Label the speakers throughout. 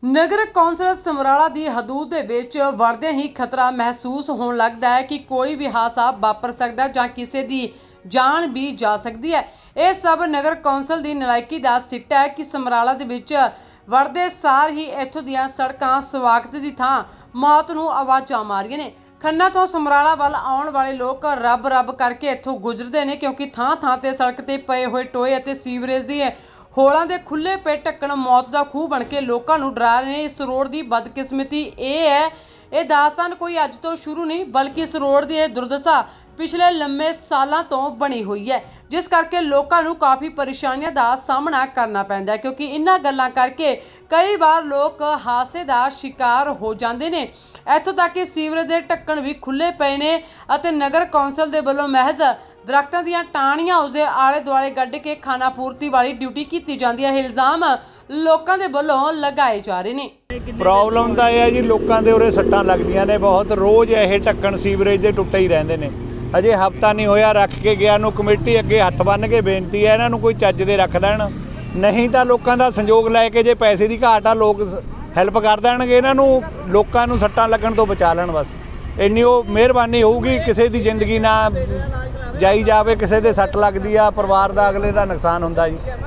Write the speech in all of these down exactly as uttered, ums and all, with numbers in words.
Speaker 1: नगर council Samrala दी हदूद दे विच वड़दे ही खतरा महसूस होने लगता है कि कोई भी हादसा वापर सकता है जां किसी दी जान भी जा सकती है। यह सब नगर कौंसल दी नलायकी दा सिट्टा है कि समराला दे विच वड़दे सार ही इत्थों दीयां सड़कां स्वागत दी थां मौत नूं आवाज़ां मारियां ने। खन्ना तो समराला वाल आउण वाले लोग रब रब करके इत्थों गुजरते हैं क्योंकि थां थां ते सड़क ते पए होए टोए अते सीवरेज दी होलों के खुले पे ढक्कन मौत का खूह बन के लोगों को डरा रहे हैं। इस रोड की बदकिस्मती ये है, ये दास्तान कोई अज तो शुरू नहीं बल्कि इस रोड की दुर्दशा पिछले लंबे सालों तो बनी हुई है, जिस करके लोगों को काफ़ी परेशानियों का सामना करना पैंदा है क्योंकि इन्हां गल्लां करके कई बार लोग हादसे का शिकार हो जाते हैं। इत्थों तक कि सीवरेज के ढक्कन भी खुले पे ने अते नगर कौंसल के वलों महज दरख्तों ਦੀਆਂ ਟਾਹਣੀਆਂ उसके आले दुआले गड्ढ के खाना पूर्ति वाली ड्यूटी की जाती है। इल्जाम लोगों के वलों लगाए जा रहे हैं।
Speaker 2: प्रॉब्लम तो यह है जी, लोगों के उरे सट्टां लगदियां ने बहुत, रोज़ यह ढक्कन सीवरेज के टुੱਟੇ ही रहंदे ने। अजे हफ्ता नहीं होया रख के गया नूं कमेटी अगे हत्थ बन के बेनती है इन्हां नूं कोई चज दे रख देण, नहीं तो लोगों का संजोग लैके जे पैसे की घाट आ लोग हैल्प कर देणगे इन्हां नूं, लोगों नूं सट्टां लगण तो बचा लैण। बस इन्नी वो मेहरबानी होऊगी, किसी की जिंदगी ना जाई जावे, किसी दे सट्ट लगदी आ, परिवार का अगले का नुकसान हुंदा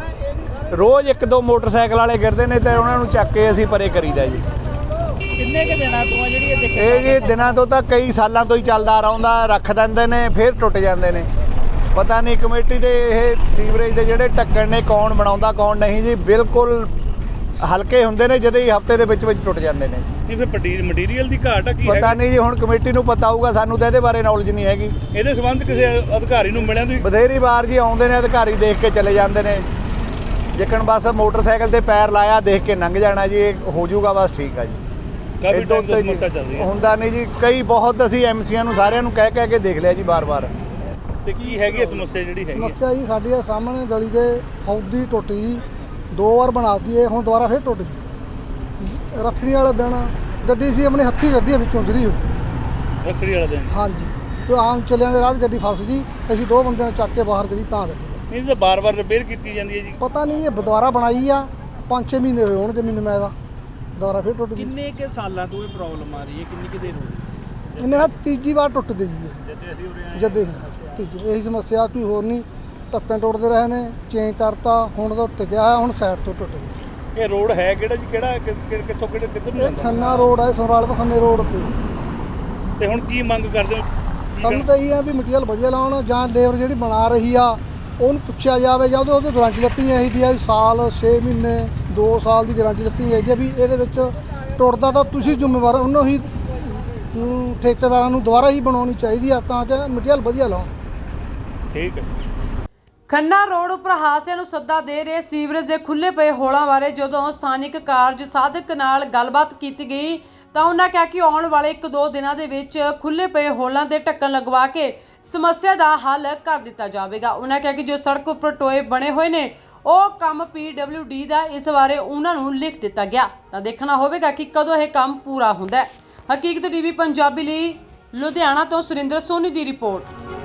Speaker 2: जी। रोज़ एक दो मोटरसाइकिल वाले गिरते हैं तो उन्होंने चक के असीं परे करीदा जी।
Speaker 3: किन्ने के दिनों तो जी
Speaker 2: ये जी दिनों तो तो कई सालों तो ही चलता रहा, रख देंदे ने फिर टुट जाते हैं। पता नहीं कमेटी के ये सीवरेज के जोड़े ढक्कन ने कौन बनाता कौन नहीं जी, बिल्कुल हल्के होंदे ने जदों ही हफ्ते के विच विच टुट जाते हैं।
Speaker 3: मटीरियल की घाट है,
Speaker 2: पता नहीं जी, हुण कमेटी नूं पता होऊगा, सानूं तो इहदे बारे नॉलेज नहीं हैगी।
Speaker 3: इहदे संबंध किसी अधिकारी नूं मिलिया तुसीं?
Speaker 2: बथेरी बार जी आउंदे ने अधिकारी, देख के चले जाते हैं। जिकण बस मोटरसाइकिल ते पैर लाया देख के लंघ जाना जी, हो जाऊगा बस ठीक है जी।
Speaker 3: काफी टाइम तो समस्या चल रही है।
Speaker 2: हुंदा नहीं जी, कई बहुत असीं एमसीआं नूं सारिਆਂ ਨੂੰ ਕਹਿ ਕਹਿ ਕੇ देख लिया जी बार बार।
Speaker 3: ਤੇ ਕੀ ਹੈਗੀ ਸਮੱਸਿਆ ਜਿਹੜੀ ਹੈਗੀ?
Speaker 4: ਸਮੱਸਿਆ ਜੀ ਸਾਡੀ ਆ ਸਾਹਮਣੇ ਗਲੀ ਦੇ ਹੌਦੀ ਟੁੱਟ ਗਈ, ਦੋ ਵਾਰ ਬਣਾਤੀ ਹੈ, ਹੁਣ ਦੁਬਾਰਾ ਫਿਰ ਟੁੱਟ ਗਈ। ਰੱਖੜੀ ਵਾਲੇ ਦਿਨ ਗੱਡੀ ਸੀ ਆਪਣੀ ਹੱਥੀ ਗੱਡੀ ਵਿੱਚੋਂ ਗਿਰੀ ਹੋਈ।
Speaker 3: ਰੱਖੜੀ ਵਾਲੇ ਦਿਨ?
Speaker 4: ਹਾਂਜੀ, ਤੇ ਆਮ ਚੱਲਿਆਂ ਦੇ ਰਾਹ 'ਚ ਗੱਡੀ ਫਸ ਗਈ, ਅਸੀਂ ਦੋ ਬੰਦਿਆਂ ਨੂੰ ਚੱਕ ਕੇ ਬਾਹਰ ਕਰੀ ਤਾਂ ਗੱਡੀ।
Speaker 3: ਨਹੀਂ ਤਾਂ ਬਾਰ-ਬਾਰ ਰਿਪੇਅਰ ਕੀਤੀ ਜਾਂਦੀ ਹੈ ਜੀ?
Speaker 4: ਪਤਾ ਨਹੀਂ, ਇਹ ਦੁਬਾਰਾ ਬਣਾਈ ਆ, ਪੰਜ ਛੇ ਮਹੀਨੇ ਹੋਏ ਹੋਣਗੇ ਮੈਨੂੰ ਮੈਂ ਦਾ, ਦੁਬਾਰਾ ਫਿਰ ਟੁੱਟ ਗਈ।
Speaker 3: ਕਿੰਨੇ ਕੇ ਸਾਲਾਂ ਤੋਂ ਇਹ ਪ੍ਰੋਬਲਮ ਆ ਰਹੀ ਹੈ, ਕਿੰਨੀ ਕਿ ਦੇਰ ਹੋ ਗਈ?
Speaker 4: ਇਹ ਮੇਰਾ ਤੀਜੀ ਵਾਰ ਟੁੱਟ ਗਈ ਹੈ
Speaker 3: ਜਦ ਅਸੀਂ ਉਰੇ ਆਏ
Speaker 4: ਜਦੇ ਤੀਜੀ। ਇਹੀ ਸਮੱਸਿਆ, ਕੋਈ ਹੋਰ ਨਹੀਂ, ਢੱਕਣ ਟੁੱਟਦੇ ਰਹੇ ਨੇ, ਚੇਂਜ ਕਰਤਾ, ਹੁਣ ਤਾਂ ਟਿਕਿਆ ਹੈ, ਹੁਣ ਸਾਈਡ ਤੋਂ ਟੁੱਟ ਗਿਆ।
Speaker 3: ਇਹ ਰੋਡ ਹੈ ਕਿਹੜਾ ਜੀ, ਕਿਹੜਾ ਕਿ- ਕਿ- ਕਿੱਥੋਂ ਕਿਹੜੇ ਕਿੱਧਰ ਨੂੰ
Speaker 4: ਇਹ
Speaker 3: ਜਾਂਦਾ?
Speaker 4: ਖੰਨਾ ਰੋਡ ਹੈ, ਸਮਰਾਲ ਤੋਂ ਖੰਨੇ ਰੋਡ ਤੇ।
Speaker 3: ਤੇ ਹੁਣ ਕੀ ਮੰਗ ਕਰਦੇ ਹੋ? ਕੀ
Speaker 4: ਸਾਨੂੰ ਤਾਂ ਇਹ ਆ ਵੀ ਮਟੀਰੀਅਲ ਵਧੀਆ ਲਾਉਣ, ਜਾਂ ਲੇਬਰ ਜਿਹੜੀ ਬਣਾ ਰਹੀ ਆ ਉਹਨੂੰ ਪੁੱਛਿਆ ਜਾਵੇ, ਜਾਂ ਉਹਦੇ ਉਹਦੇ ਗਾਰੰਟੀ ਲੱਤੀ ਚਾਹੀਦੀ ਆ ਵੀ ਸਾਲ ਛੇ ਮਹੀਨੇ ਦੋ ਸਾਲ ਦੀ ਗਾਰੰਟੀ ਲੱਤੀ ਚਾਹੀਦੀ ਆ ਵੀ ਇਹਦੇ ਵਿੱਚ ਟੁੱਟਦਾ ਤਾਂ ਤੁਸੀਂ ਜ਼ਿੰਮੇਵਾਰ, ਉਹਨੂੰ ਹੀ ਅਮ, ਠੇਕੇਦਾਰਾਂ ਨੂੰ ਦੁਬਾਰਾ ਹੀ ਬਣਾਉਣੀ ਚਾਹੀਦੀ ਆ ਤਾਂ ਕਿ ਮਟੀਰੀਅਲ ਵਧੀਆ ਲਾਉਣ।
Speaker 3: ਠੀਕ ਹੈ।
Speaker 1: ਖੰਨਾ ਰੋਡ ਉੱਪਰ ਹਾਦਸਿਆਂ ਨੂੰ ਸੱਦਾ ਦੇ ਰਹੇ ਸੀਵਰੇਜ ਦੇ ਖੁੱਲੇ ਪਏ ਹੋਲਾਂ ਬਾਰੇ ਜਦੋਂ ਸਥਾਨਿਕ ਕਾਰਜ ਸਾਧਕ ਨਾਲ ਗੱਲਬਾਤ ਕੀਤੀ ਗਈ ਤਾਂ ਉਹਨਾਂ ਕਿਹਾ ਕਿ ਆਉਣ ਵਾਲੇ ਇੱਕ ਦੋ ਦਿਨਾਂ ਦੇ ਵਿੱਚ ਖੁੱਲੇ ਪਏ ਹੋਲਾਂ ਦੇ ਢੱਕਣ ਲਗਵਾ ਕੇ ਸਮੱਸਿਆ ਦਾ ਹੱਲ ਕਰ ਦਿੱਤਾ ਜਾਵੇਗਾ। ਉਹਨਾਂ ਕਿਹਾ ਕਿ ਜੋ ਸੜਕ ਉੱਪਰ ਟੋਏ ਬਣੇ ਹੋਏ ਨੇ ਉਹ ਕੰਮ ਪੀ ਡਬਲਿਊ ਡੀ ਦਾ ਇਸ ਬਾਰੇ ਉਹਨਾਂ ਨੂੰ ਲਿਖ ਦਿੱਤਾ ਗਿਆ, ਤਾਂ ਦੇਖਣਾ ਹੋਵੇਗਾ ਕਿ ਕਦੋਂ ਇਹ ਕੰਮ ਪੂਰਾ ਹੁੰਦਾ ਹੈ। ਹਕੀਕਤ ਟੀਵੀ ਪੰਜਾਬੀ ਲਈ ਲੁਧਿਆਣਾ ਤੋਂ ਸੁਰਿੰਦਰ ਸੋਨੀ ਦੀ ਰਿਪੋਰਟ।